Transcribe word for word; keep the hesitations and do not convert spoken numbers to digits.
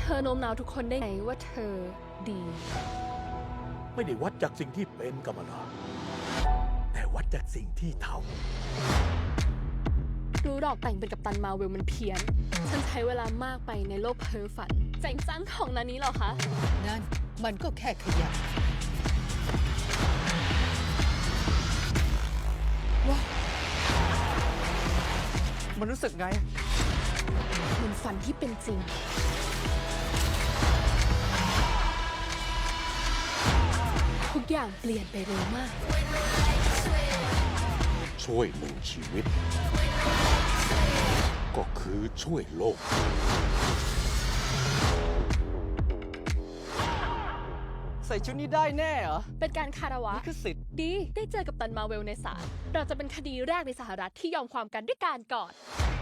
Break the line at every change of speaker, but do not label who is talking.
อโน้มน้าวทุกคนได้ไงว่าเธอดี
ไม่ได้วัดจากสิ่งที่เป็นกัมมาลาแต่วัดจากสิ่งที่ท
รู้ดอกแต่งเป็นกัปตันมาเวลมันเพี้ยน ฉันใช้เวลามากไปในโลกเพ้อฝันเจ๋งจังของนานี้เหรอคะ
นั่นมันก็แค่ขยะว้ามันรู้สึกไง
เหมือนฝันที่เป็นจริง ทุกอย่างเปลี่ยนไปเร็วมาก
ำช่วยหนึ่งชีวิต ก็คือช่วยโลก
ใส่ชุดนี้ได้แน่เหรอ
เป็นการคารวะ
นี่คือสิทธิ์
ดี ได้เจอกับตันมาเวลในศาล เราจะเป็นคดีแรกในสหรัฐที่ยอมความกันด้วยการกอด